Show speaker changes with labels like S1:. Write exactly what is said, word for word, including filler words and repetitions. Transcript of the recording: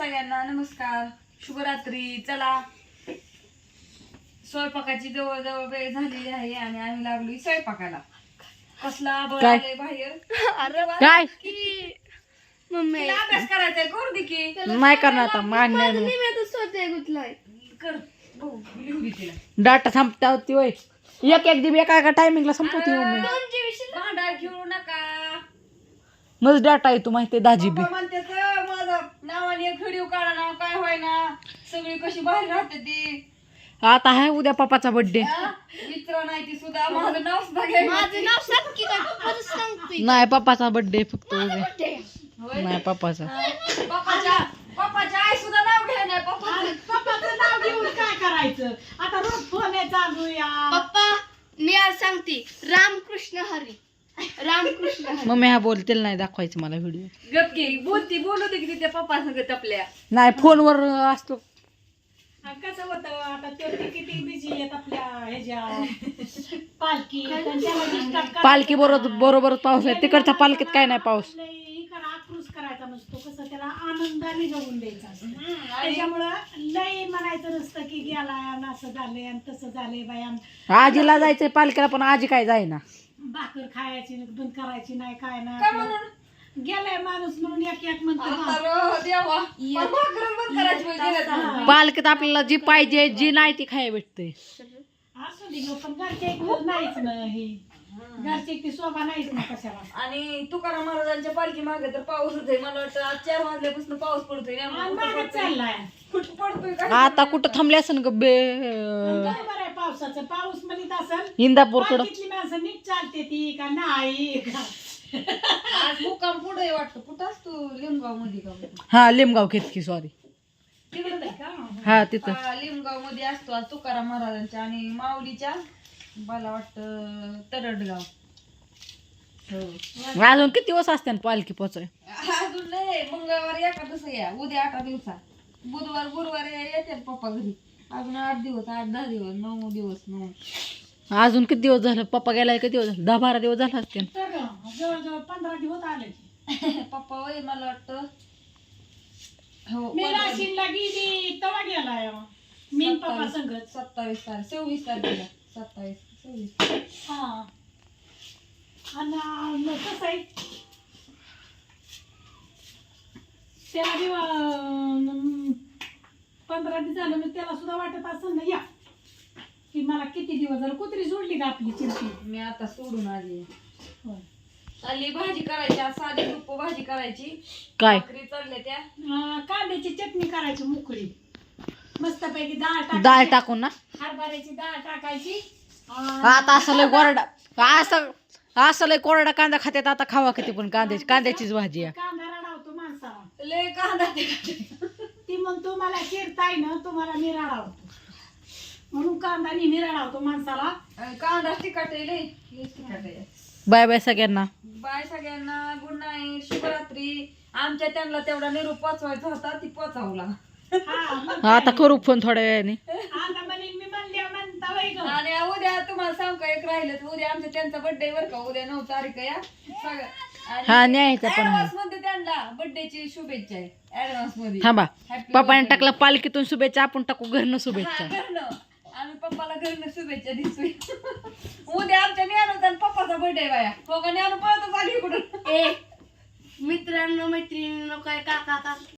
S1: सगळ्यांना नमस्कार, शुभरात्री. चला स्वयंपाकाची जवळजवळ वेळ झालेली आहे आणि आम्ही लागलोय स्वयंपाकाला. कसला बळाले बाहेर
S2: काय
S1: मम्मी अभ्यास करायचा करू दे की.
S2: नाही करणार आता मान्य
S1: कर लिहू दे तिला.
S2: डाटा संपता होती वय एक एक दिवस एका एका टायमिंगला संपवते मम्मी.
S1: भांडार खेळू नका.
S2: मग डाटा येतो माहिती दहा जीबी.
S1: पप्पा म्हणतात माझा नावाने एक व्हिडिओ काढा ना, काय होय ना, सगळी कशी बाहेर राहते ती.
S2: आता आहे उद्या पप्पाचा बर्थडे.
S1: मित्र नाही ती सुद्धा माझं नाव सुद्धा घ्यायचं.
S3: माझं नाव सांग की काय पप्पाचं सांगतोय.
S2: नाही पप्पाचा बर्थडे फक्त उद्या.
S1: होय?
S2: नाही पप्पाचा.
S1: पप्पाच्या पप्पाच्या आई सुद्धा नाव घ्या नाही. पप्पाचं
S4: पप्पाचं नाव घेऊन काय करायचं आता रोज फोन आहे चालू या.
S3: पप्पा मी आज सांगते रामकृष्ण हरी रामकृष्ण हरी.
S2: मम्मी हा बोलतील नाही दाखवायचं मला व्हिडिओ.
S1: गप घे बोलती बोलू दे की त्या पप्पा संगत आपल्या.
S2: नाही फोनवर असतो.
S4: आणि कसं होतं आता ते किती बिझी आहेत आपल्या ह्याच्या पालखी आणि त्याला disturb करायचं.
S2: पालखी बरोबर बरोबर पाऊस आहे. तिकडच्या पालखीत काय नाही पाऊस.
S4: लय ही करा आक्रोश करायचा नसतो, कसं त्याला आनंदाने जगून द्यायचा असतो.
S1: आणि
S4: त्याच्यामुळं लय म्हणायचं नसतं की गेलाय आणि असं झालंय आणि तसं झालंय बाया
S2: आजीला जायचंय पालखीला पण आजी काय जाईना.
S4: भाकर खायची बंद करायची नाही काय
S1: काय
S4: नाही
S1: म्हणून
S4: गेलाय माणूस म्हणून एक एक म्हणतो
S1: आता रो देवा भाकरच बंद करायची पाहिजे दिलं.
S2: पालखीत आपल्याला जी पाहिजे जी नाही ती खाय भेटते.
S4: असू दे गं, पण घरचे एक नाहीच ना हे घरचे ती शोभा नाहीच ना कशाला.
S1: आणि तुकाराम महाराजांच्या पालखी मागे तर पाऊस होतोय. मला वाटतं आज चार वाजल्यापासून पाऊस पडतोय.
S4: आणि
S1: नेमकं कुठं
S4: मागं
S1: पडतोय?
S4: चाललाय
S1: कुठं पडतोय काय
S2: आता कुठं थांबले असेल ग बे
S4: काय बरं आहे पावसाचं पाऊस म्हणत असेल
S2: इंदापूरकडं.
S4: पालखीतली माणसं नीट चालते ती का नाही का?
S1: आज मुक्काम पुढे वाटतं. कुठं असतो लिंबगाव मध्ये का
S2: हा लिमगाव खेतकी सॉरी.
S1: तिकडे नाही का?
S2: हा तिथं
S1: लिंबगाव मध्ये असतो आज तुकाराम महाराजांच्या आणि माऊलीच्या मला वाटतं तरडगाव. हो
S2: अजून किती दिवस असते पालखी पोचाय.
S1: अजून नाही. मंगळवार एकादस या उद्या आठ दिवसात. बुधवार गुरुवार येते पप्पा घरी. अजून आठ दिवस आठ दहा दिवस नऊ दिवस नऊ.
S2: अजून किती दिवस झालं पप्पा गेलाय किती दिवस झाले. दहा बारा दिवस झाला असते.
S4: तर जवळजवळ पंधरा दिवस आले की.
S1: पप्पा वय मला वाटतं हो
S4: मी नाशिकला गेली तेव्हा गेलाय मी आणि पप्पा
S1: सत्तावीस
S4: संगत.
S1: सत्तावीस तारीख सव्वीस तारखेला सत्तावीस सव्वीस.
S4: हा आणि मग कसं आहे त्याला बी अं, पंधरा दिवस झालं मग त्याला सुद्धा वाटत असं ना या की मला किती दिवस झालं कुत्री सोडली का आपली चिंती.
S1: मी आता सोडून आली.
S4: होय.
S1: आली भाजी करायची आज साधी रुप भाजी करायची.
S2: काय
S1: भाकरी चालल्या त्या.
S4: अं, कांद्याची चटणी करायची मोकळी मस्तपैकी डाळ टाकायची.
S2: डाळ टाकून ना.
S4: हरभऱ्याची डाळ टाकायची अं,
S2: आता असं लय कोरडा असं असं लय कोरडा कांदा खात्यात आता खावा किती पण कांद्याची कांद्याचीच भाजी आहे.
S4: कांदा रडावतो माणसाला.
S1: लय कांदा ते
S4: ती म्हणतो मला चिरताय ना तुम्हाला मी रडावतो म्हणून कांदा नेहमी रडावतो माणसाला.
S1: कांदा तिखट आहे लय लय तिखट आहे.
S2: बाय बाय सगळ्यांना.
S1: बाय सगळ्यांना. गुड नाईट शुभरात्री. आमच्या त्यांना तेवढा निरोप पोचवायचा होता ती पोचावला.
S4: हा, मग
S2: आता करू फोन थोड्या वेळाने.
S4: आता म्हणेन मी म्हणल्या म्हणता वय गं.
S1: आणि उद्या तुम्हाला सांग का एक राहिलं तर उद्या आमच्या त्यांचा बर्थडे बर का. उद्या नऊ तारीख आहे या सगळं.
S2: हा न्यायचा पण आहे.
S1: ऍडव्हान्स मध्ये त्यांना बर्थडेची शुभेच्छा आहे ऍडव्हान्स मध्ये.
S2: थांबा
S1: Happy
S2: पप्पाने
S1: birthday.
S2: टाकलं पालखीतून शुभेच्छा आपण टाकू घरनं
S1: हा,
S2: शुभेच्छा.
S1: घरनं. आम्ही पप्पाला घरनं शुभेच्छा दिसतोय. उद्या आमच्या ज्ञानूचा आणि पप्पाचा बर्थडे बाया. हो का ज्ञानू पळतच आली इकडून.
S3: ए मित्रांनो मैत्रिणींनो काय काका काका